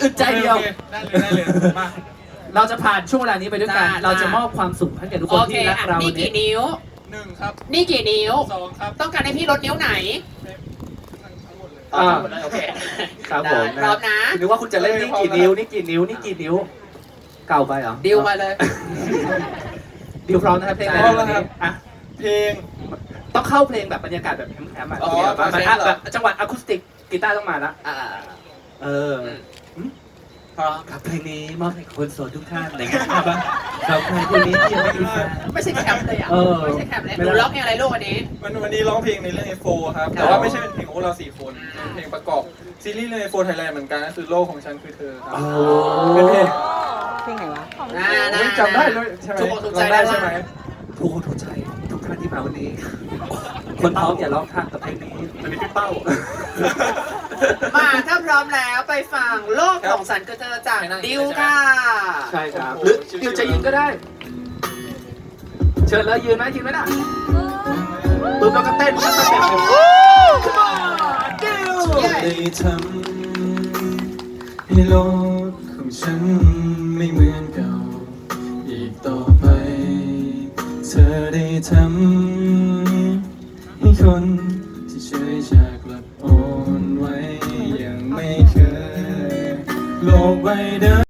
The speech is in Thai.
อึดใจเดียวได้เลยมาเราจะผ่านช่วงเวลานี้ไปด้วยกัน เราจะมอบความสุขให้แก่ทุกคนที่รักเรานี่วันกี่นี้นิ้ว 1ครับนี่กี่นิ้ว 2ครับต้องการให้พี่ลดนิ้วไหนทั้งหมดเลยอ่าโอเคครับผมพร้อมนะนึกว่าคุณจะเล่นนี่กี่นิ้วนี่กี่นิ้วนี่กี่นิ้ว เก่าไปเหรอดิวมาเลยดิวพร้อมนะครับเพลงอะไรพร้อมแล้ววันครันี้บอ่ะเพลงต้องเข้าเพลงแบบบรรยากาศแบบแฮมๆอ่ะอ๋อแบบใช่เหรอแบบจังหวะอะคูสติกกีตาร์ต้องมาละอ่าเออพร้อมครับเพลงนี้มอบให้คนโสดทุกท่านนะครับครับใครคนนี้ที่ยังไม่มีแฟนไม่ใช่แคมป์เลยอ่ะเออไม่ใช่แคมป์เลยไม่หได้นูร้องเพลงอะไรลูกวันนี้วันนี้ร้องเพลงในเรื่อง F4 ครับ แต่ว่าไม่ใช่เป็นเพลงของพวกเรา4คนเป็นเพลงประกอบซีรีส์เรื่อง F4 Thailand เหมือนกันก็คือโลกของฉันคือเธอครับโอ้เป็นเพลงเพลงไหนวะอุ๊ยจำได้เลยใช่ไหมถูกอกถูกใจร้องได้ใช่ไหมทุกคนทุกใจทุกท่านที่มาวันนี้ คนพร้อมอย่าร้องข้ามกับเพลงนี้มันเป็นพี่เป้ามาถ้าพร้อมแล้วไปฟังโลกของฉันก็เจอจากดิวค่ะใช่ครับหรือดิวจะยืนก็ได้ เชิญเลยยืนไหมยืนไหมล่ะปึ๊บแล้วก็เต้นแล้วก็เต้นเลย Come on ดิวได้ทำให้โลกของฉันไม่เหมือนเก่าอีกต่อไป เธอได้ทำให้คนที่เฉยชากลับอ่อนไหวยังไม่เคยโลกใบเดิม